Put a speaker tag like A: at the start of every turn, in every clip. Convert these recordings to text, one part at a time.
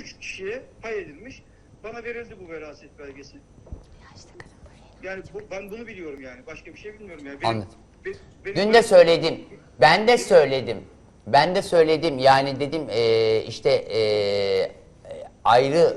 A: 3 kişiye pay edilmiş. Bana verildi bu veraset belgesi. Yani ben bunu biliyorum yani. Başka bir şey bilmiyorum yani.
B: Anladım.
A: Benim
B: Dün de söyledim. Ben de söyledim. Ben de söyledim. Yani dedim ayrı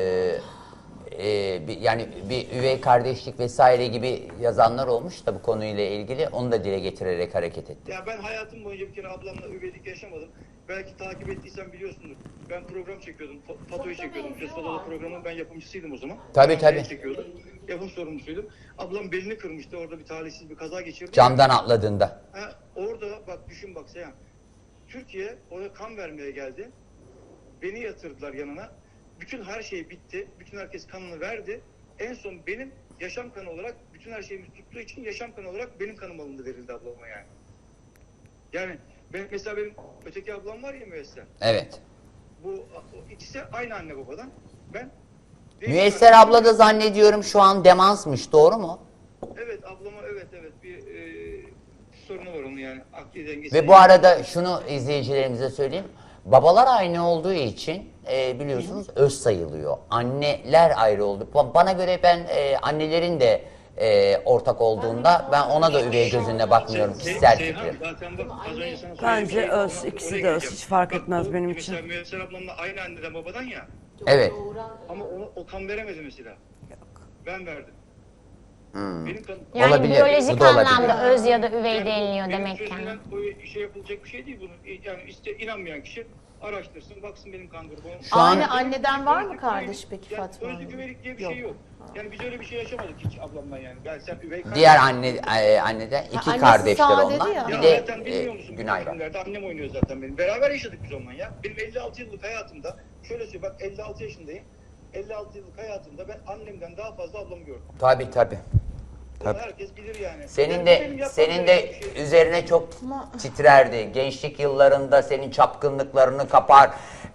B: yani bir üvey kardeşlik vesaire gibi yazanlar olmuş da bu konuyla ilgili. Onu da dile getirerek hareket ettim.
A: Ya ben hayatım boyunca bir kere ablamla üveylik yaşamadım. Belki takip ettiysen biliyorsundur. Ben program çekiyordum. Fatoyu çekiyordum. Ses Fato'da programın ben yapımcısıydım o zaman.
B: Tabii tabii.
A: Çekiyordum. Yapım sorumlusuydum. Ablam belini kırmıştı. Orada bir talihsiz bir kaza geçirdi.
B: Camdan atladığında.
A: Orada bak düşün bak Seyhan. Türkiye oraya kan vermeye geldi. Beni yatırdılar yanına. Bütün her şey bitti. Bütün herkes kanını verdi. En son benim yaşam kanı olarak bütün her şeyimiz tuttuğu için yaşam kanı olarak benim kanım alındı verildi ablama yani. Yani mesela benim öteki ablam var ya Müyesser.
B: Evet.
A: Bu ikisi aynı anne babadan. Ben
B: Müyesser abla da zannediyorum şu an demansmış. Doğru mu?
A: Evet ablama evet bir sorunu var onun yani akli dengesi.
B: Ve bu arada şunu izleyicilerimize söyleyeyim. Babalar aynı olduğu için biliyorsunuz öz sayılıyor. Anneler ayrı oldu. Bana göre ben annelerin de ortak olduğunda ben ona da üvey gözünle bakmıyorum. Kişisel fikrim.
C: Bence öz, ikisi de öz. Hiç fark etmez benim için.
A: Mesela Müyesser ablamla aynı anneden babadan ya.
B: Evet.
A: Ama o kan veremedi mesela. Ben verdim. Benim kanım.
D: Yani
B: Olabilir,
D: biyolojik
B: bu da olabilir.
D: anlamda öz ya da üvey deniliyor
A: benim
D: demek yani.
A: sözümden o şey yapılacak bir şey değil bunu. Yani inanmayan kişi araştırsın, baksın benim kan grubum.
B: Şu an
E: Aynı anneden var mı kardeş peki
A: Yani
E: Fatma
A: özlük
E: Hanım?
A: üvelik diye bir şey yok. Yani biz öyle bir şey yaşamadık hiç ablamla yani. Yani sen üvey kardeş.
B: diğer anneden iki
E: annesi
B: kardeşler
E: sağ
B: onlar.
E: dedi ya.
B: Bir
A: Ya
B: de
A: zaten bilmiyor musun?
B: Günay var.
A: Filmlerde annem oynuyor zaten benim. Beraber yaşadık biz onunla ya. Benim 56 yıllık hayatımda, şöyle söyleyeyim bak 56 yaşındayım. 56 yıllık hayatımda ben annemden daha fazla ablamı gördüm.
B: Tabii tabii.
A: Bunu herkes bilir yani.
B: Senin
A: Yani
B: de
A: benim yapmam
B: senin
A: gereken
B: de
A: bir şey.
B: üzerine çok titrerdi. Gençlik yıllarında senin çapkınlıklarını kapar,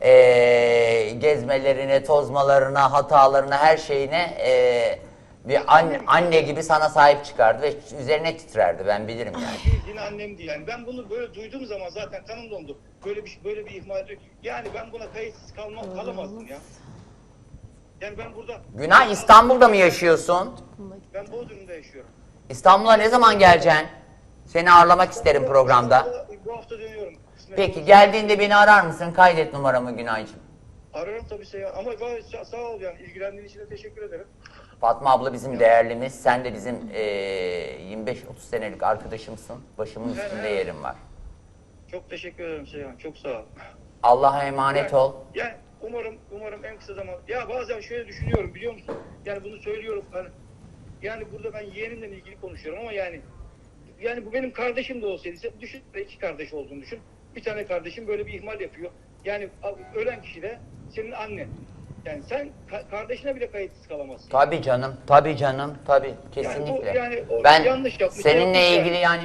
B: gezmelerine, tozmalarına, hatalarına, her şeyine bir anne gibi sana sahip çıkardı ve üzerine titrerdi. Ben bilirim yani.
A: Yine annemdi yani. Ben bunu böyle duyduğum zaman zaten kanım dondu. Böyle bir ihmal. Yani ben buna kayıtsız kalamazdım ya. Yani ben burada...
B: Günay, İstanbul'da mı yaşıyorsun?
A: Ben Bodrum'da yaşıyorum.
B: İstanbul'a ne zaman geleceksin? Seni ağırlamak isterim programda.
A: Bu hafta dönüyorum.
B: Peki geldiğinde beni arar mısın? Kaydet numaramı Günaycığım.
A: Ararım tabii Seyhan. Ama gayet sağ ol yani. İlgilendiğin için de teşekkür ederim.
B: Fatma abla bizim değerlimiz. Sen de bizim 25-30 senelik arkadaşımsın. Başımın üstünde yerin var.
A: Çok teşekkür ederim Seyhan. Çok sağ ol.
B: Allah'a emanet ol.
A: Yani umarım en kısa zaman. Ya bazen şöyle düşünüyorum biliyor musun? Yani bunu söylüyorum. Yani burada ben yeğenimle ilgili konuşuyorum ama yani bu benim kardeşim de olsaydı. Düşün, iki kardeş olduğunu düşün. Bir tane kardeşim böyle bir ihmal yapıyor. Yani ölen kişi de senin annen. Yani sen kardeşine bile kayıtsız kalamazsın.
B: Tabii canım, tabii canım, tabii kesinlikle.
A: Yani o
B: ben
A: yanlış yapmış,
B: seninle
A: yapmış
B: ilgili yani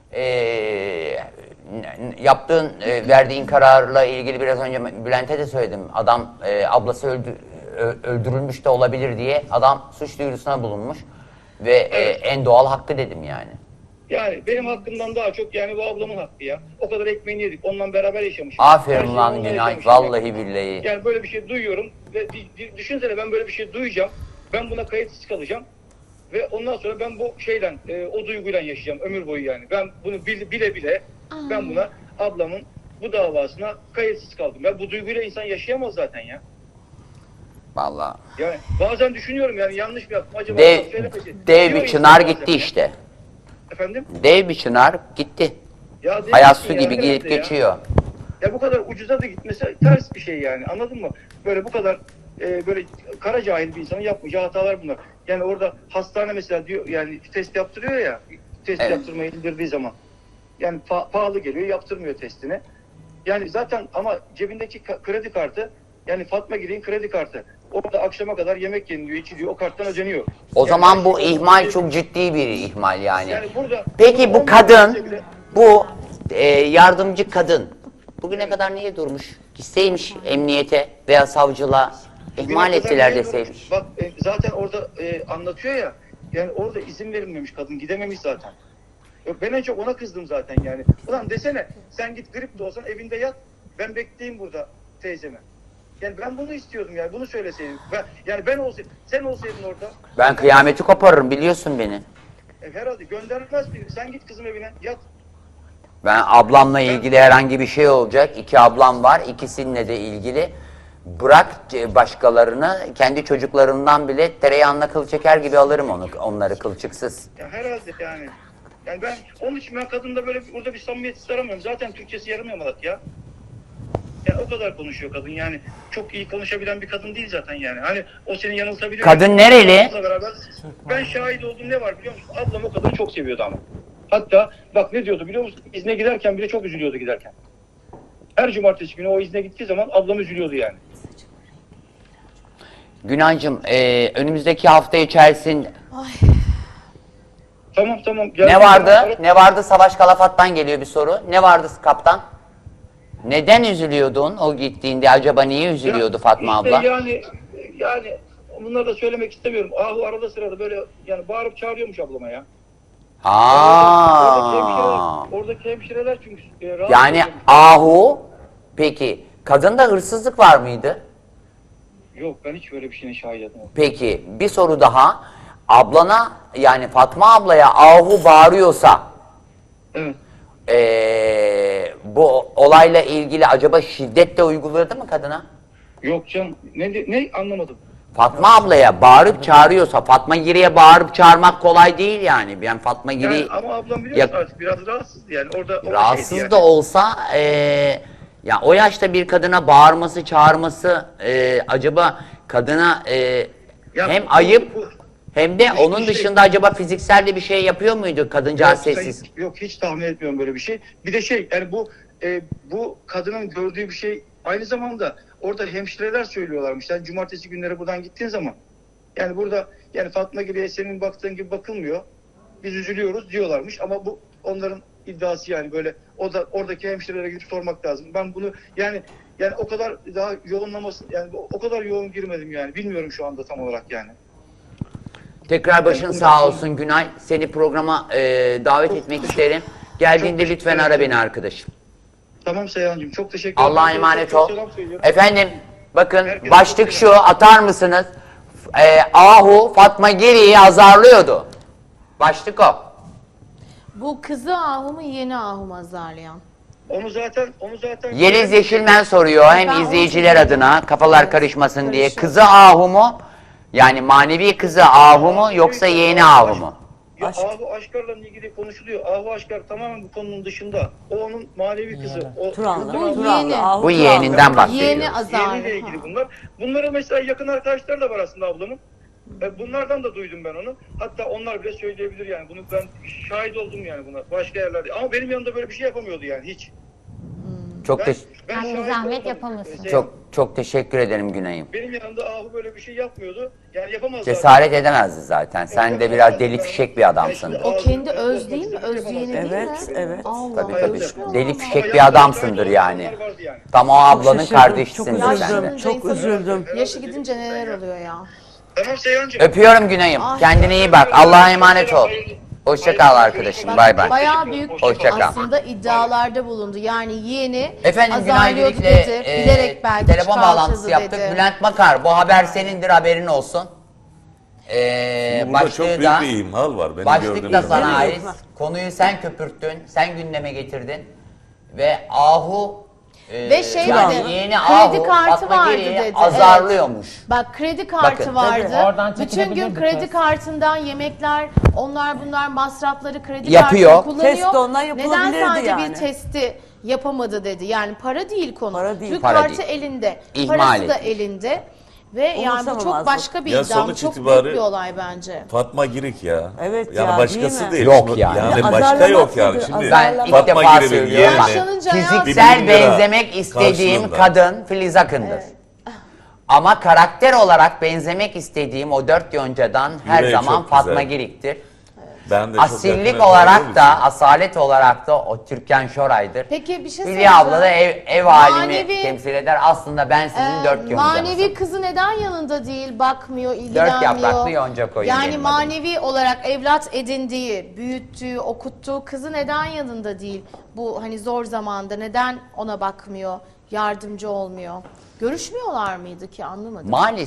B: yaptığın, verdiğin kararla ilgili biraz önce Bülent'e de söyledim. Adam ablası öldürülmüş de olabilir diye adam suç duyurusuna bulunmuş ve
A: Evet.
B: En doğal hakkı dedim yani.
A: Yani benim hakkımdan daha çok yani bu ablamın hakkı ya. O kadar ekmeğini yedik. Onunla beraber yaşamışız.
B: Aferin lan Günay, vallahi billahi.
A: Yani böyle bir şey duyuyorum ve düşünsene ben böyle bir şey duyacağım. Ben buna kayıtsız kalacağım. Ve ondan sonra ben bu şeyden, o duyguyla yaşayacağım ömür boyu yani. Ben bunu bile ben buna ablamın bu davasına kayıtsız kaldım. Ya bu duyguyla insan yaşayamaz zaten ya.
B: Vallahi.
A: Yani bazen düşünüyorum yani yanlış mı yaptım acaba?
B: Dev bir çınar gitti işte.
A: Efendim?
B: Dev bir çınar gitti.
A: Ya değil
B: Hayat
A: misin
B: su
A: ya?
B: gibi
A: Herhalde
B: gelip
A: ya.
B: geçiyor.
A: Ya bu kadar ucuza da gitmesi ters bir şey yani anladın mı? Böyle bu kadar böyle kara cahil bir insanın yapmayacağı hatalar bunlar. Yani orada hastane mesela diyor yani test yaptırıyor ya test
B: Evet.
A: yaptırmayı indirdiği zaman yani pahalı geliyor yaptırmıyor testini. Yani zaten ama cebindeki kredi kartı yani Fatma Giri'nin kredi kartı. Orada akşama kadar yemek yeniliyor, içiliyor, o karttan ödeniyor.
B: O
A: Yani
B: zaman
A: her
B: bu
A: şey-
B: ihmal çok ciddi bir ihmal yani.
A: Yani burada
B: Peki bu
A: 10
B: kadın,
A: bile-
B: bu yardımcı kadın bugüne kadar niye durmuş? Gitseymiş emniyete veya savcılığa ihmal
A: Bugüne kadar
B: ettiler
A: niye
B: deseymiş.
A: durmuş? Bak zaten orada anlatıyor ya yani orada izin verilmemiş kadın gidememiş zaten. Ben en çok ona kızdım zaten yani. Ulan desene sen git grip de olsan evinde yat ben bekleyeyim burada teyzeme. Yani ben bunu istiyordum yani. Bunu söyleseydin. Yani ben olsaydım. Sen olsaydın orada.
B: Ben kıyameti koparırım, biliyorsun beni.
A: Herhalde göndermez miydin? Sen git kızım evine. Yat.
B: Ben ablamla ilgili herhangi bir şey olacak. 2 ablam var. İkisininle de ilgili. Bırak başkalarını, kendi çocuklarından bile tereyağına kıl çeker gibi alırım onları kılçıksız.
A: Ya herhalde yani. Yani ben onun için ben kadında böyle burada bir samimiyet aramıyorum. Zaten Türkçesi yarım yamalak ya. Yani o kadar konuşuyor kadın yani. Çok iyi konuşabilen bir kadın değil zaten yani. Hani o seni yanıltabilir.
B: Kadın nereli?
A: Beraber, ben şahit oldum, ne var biliyor musun? Ablam o kadını çok seviyordu ama. Hatta bak ne diyordu biliyor musun? İzne giderken bile çok üzülüyordu giderken. Her cumartesi günü o izne gittiği zaman ablam üzülüyordu yani.
B: Günancığım, önümüzdeki hafta içerisinde
A: Tamam.
B: ne vardı? Ne vardı? Savaş Kalafat'tan geliyor bir soru. Ne vardı kaptan? Neden üzülüyordun o gittiğinde? Acaba niye üzülüyordu Fatma
A: işte
B: abla?
A: Yani bunları da söylemek istemiyorum. Ahu arada sırada böyle yani bağırıp çağırıyormuş ablama ya. Oradaki hemşireler çünkü rahatsız
B: Yani
A: oluyormuş.
B: Ahu, peki kadında hırsızlık var mıydı?
A: Yok, ben hiç böyle bir şeyine şahit etmedim.
B: Peki bir soru daha. Ablana, yani Fatma ablaya Ahu bağırıyorsa
A: Evet.
B: bu olayla ilgili acaba şiddet de uyguladı mı kadına?
A: Yok canım. Ne anlamadım.
B: Fatma ablaya bağırıp çağırıyorsa, Fatma Giri'ye bağırıp çağırmak kolay değil yani. Ben Fatma Giri
A: Yani ama ablam biliyorsun artık biraz rahatsızdı yani. Orada o
B: rahatsız
A: şeydi yani.
B: da olsa ya o yaşta bir kadına bağırması, çağırması acaba kadına
A: Ya
B: hem
A: bu-
B: ayıp
A: bu-
B: hem de
A: bu
B: onun
A: şey-
B: dışında acaba fiziksel de bir şey yapıyor muydu kadıncağız
A: Yok,
B: sessiz?
A: Yok, hiç tahmin etmiyorum böyle bir şey. Bir de yani bu kadının gördüğü bir şey aynı zamanda orada hemşireler söylüyorlarmış. Yani cumartesi günleri buradan gittiğin zaman yani burada yani Fatma Giri'ye senin baktığın gibi bakılmıyor. Biz üzülüyoruz diyorlarmış ama bu onların iddiası yani böyle oradaki hemşirelere gidip sormak lazım. Ben bunu yani o kadar daha yoğunlaması yani o kadar yoğun girmedim yani. Bilmiyorum şu anda tam olarak yani.
B: Tekrar başın sağ olsun Günay. Seni programa davet etmek isterim. Geldiğinde
A: çok
B: lütfen
A: teşekkür
B: ara
A: ederim.
B: beni arkadaşım.
A: Tamam Seyhan'cığım, çok teşekkür ederim.
B: Allah'a emanet
A: Çok
B: ol.
A: selam söylüyorum.
B: Efendim bakın
A: Herkese
B: başlık
A: çok
B: şu, atar mısınız? Ahu Fatma Giri'yi azarlıyordu. Başlık o.
E: Bu kızı Ahu mu yeğeni Ahu mu azarlayan?
A: Onu zaten
B: Yeliz Yeşilmen soruyor hem
E: Ben
B: izleyiciler
E: onu
B: adına kafalar
E: Evet,
B: karışmasın diye.
E: karışıyor.
B: Kızı Ahu mu? Yani manevi kızı Ahu mu yoksa yeğeni Ahu mu?
A: Ya Ahu Aşkar'la ilgili konuşuluyor. Ahu Aşkar tamamen bu konunun dışında. O onun manevi kızı. O
C: Turanlı.
E: Bu
C: Turanlı,
E: yeğeni.
C: Ahu
B: Bu
C: Turanlı.
B: yeğeninden bahsediyor.
E: Yeğeni azarlı.
A: yeğeniyle ilgili bunlar. Bunların mesela yakın arkadaşları da var aslında ablamın. Bunlardan da duydum ben onu. Hatta onlar bile söyleyebilir yani. Bunu ben şahit oldum yani buna. Başka yerlerde. Ama benim yanımda böyle bir şey yapamıyordu yani hiç.
B: Çok
A: Ben
D: Yani
A: şahit
D: zahmet
A: olmadım.
D: yapamasın.
B: çok teşekkür ederim Günay'ım.
A: Benim yanımda Ahu böyle bir şey yapmıyordu. Yani yapamaz
B: Cesaret edemezdi zaten. Sen de biraz deli fişek bir adamsındır.
E: O kendi öz değil mi? Öz yeğeni değil mi?
C: Evet, evet.
E: Allah
B: Tabii
E: Allah.
B: tabii.
E: Görüşmüyor
B: Deli
E: mu?
B: fişek bir adamsındır yani. Tam o ablanın
C: şaşırdım,
B: kardeşisin
C: çok
B: sen
C: üzüldüm.
B: de.
E: Yaşlanınca
C: Çok
E: insanın
C: üzüldüm.
E: Yaşı gidince neler oluyor ya?
A: Tamam Seyhan'cığım.
B: Öpüyorum Günay'ım.
E: Ay.
B: Kendine iyi bak. Allah'a emanet ol. Hoşça kal arkadaşım. Bay bay.
E: Bayağı büyük
B: Hoşça kal.
E: aslında iddialarda bulundu. Yani yeğeni
B: Efendim Günay
E: azarlıyordu
B: Birlik'le
E: dedi. Bilerek belki
B: telefon
E: çıkartıldı
B: bağlantısı yaptık.
E: dedi.
B: Bülent Makar, bu haber senindir, haberin olsun.
F: Burada çok büyük bir imhal var. Benim
B: Başlık
F: gördüğüm
B: da
F: zaman.
B: sana ait.
C: Bilmiyorum.
B: Konuyu sen köpürttün, sen gündeme getirdin. Ve Ahu
E: Ve şey
B: yani
E: dedi,
B: yeğeni
E: kredi
B: Ahu
E: kartı
B: Fatma
E: vardı
B: Giri'yi
E: dedi.
B: azarlıyormuş.
E: Bak kredi kartı
B: Bakın.
E: vardı.
G: Tabii, oradan
E: Bütün gün
G: çekilebilirdi
E: kredi
G: kız.
E: kartından yemekler, bunlar masrafları kredi
B: Yapıyor.
E: kartını kullanıyor.
C: Test de ondan
E: Neden
C: yapılabilirdi
E: sadece
C: yani.
E: bir testi yapamadı dedi. Yani para değil konu.
C: Para değil.
E: Çünkü
B: Para
E: kartı
B: değil.
E: elinde.
B: İhmal
E: Parası da
B: etmiş.
E: elinde. Ve yani bu çok
C: Umursamamazlık.
E: başka bir
F: Ya
E: iddia. Bu
F: sonuç
E: çok büyük
F: itibarı-
E: bir olay bence.
F: Fatma Girik ya.
C: Evet
F: yani
C: ya,
F: başkası
C: değil mi?
F: değil.
B: Yok
F: Şimdi-
B: yani.
F: Yani
C: Ya
F: başka
C: azarlamak
F: yok yani.
C: nedir?
F: Şimdi
B: Ben ilk
F: Fatma
B: defa
F: Girir'in
B: söylüyorum.
F: yeğeni
E: Yaşlanınca ya-
B: Fiziksel
F: 1.000 lira
B: benzemek istediğim
F: karşılığında.
B: kadın Filiz Akın'dır. Ama karakter olarak benzemek istediğim o 4 yoncadan her
F: Yüreği
B: zaman
F: çok
B: Fatma
F: güzel.
B: Girik'tir.
F: Ben de çok yakın
B: Asillik
F: olduğum
B: olarak
F: için.
B: da, asalet olarak da o Türkan Şoray'dır.
E: Peki bir şey
B: Hülya abla da
E: söyleyeceğim.
B: ev alimi
E: Manevi-
B: temsil eder. Aslında ben sizin 4 yoncanızım.
E: Manevi kızı neden yanında değil, bakmıyor, ilgilenmiyor?
B: 4 yapraklı yonca koyun
E: Yani
B: benim
E: manevi olarak evlat edindiği, büyüttüğü, okuttuğu kızı neden yanında değil? Bu hani zor zamanda neden ona bakmıyor, yardımcı olmuyor? Görüşmüyorlar mıydı ki, anlamadım.
B: Maalesef